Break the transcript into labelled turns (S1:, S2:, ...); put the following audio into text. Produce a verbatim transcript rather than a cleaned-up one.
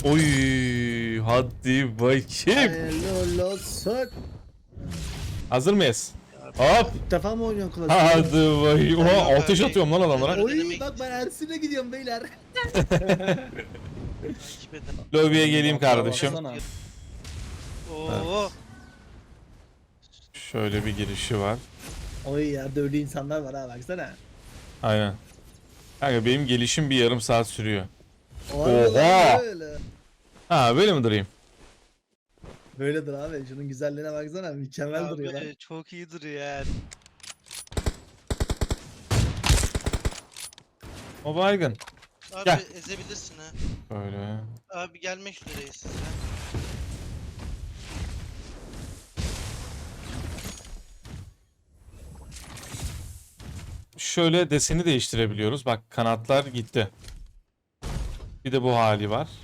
S1: Oy, hadi bakayım.
S2: Helal olsun.
S1: Hazır mıyız? Hop.
S2: İlk defa mı oynuyorsun Clash?
S1: Hadi bakayım. Oha,
S3: Yok
S1: ateş
S3: abi.
S1: atıyorum lan adamlara.
S2: Oy bak ben Ersin'e gidiyorum beyler.
S3: Takip eden.
S1: Lobiye geleyim kardeşim.
S4: Baksana.
S3: Oo.
S1: Şöyle bir girişi var.
S2: Oy ya dövdü insanlar var ha baksana.
S1: Aynen. Kanka benim gelişim bir yarım saat sürüyor.
S2: Oha.
S1: Oha!
S2: Böyle.
S1: Ha böyle mi durayım?
S2: Böyledir abi. Şunun güzelliğine baksana. Mükemmel duruyor lan.
S3: Abi çok iyi duruyor yani.
S1: O baygın.
S3: Abi
S1: Gel.
S3: ezebilirsin ha.
S1: Böyle.
S3: Abi gelmek üzereyiz size.
S1: Şöyle deseni değiştirebiliyoruz. Bak kanatlar gitti. Bir de bu hali var.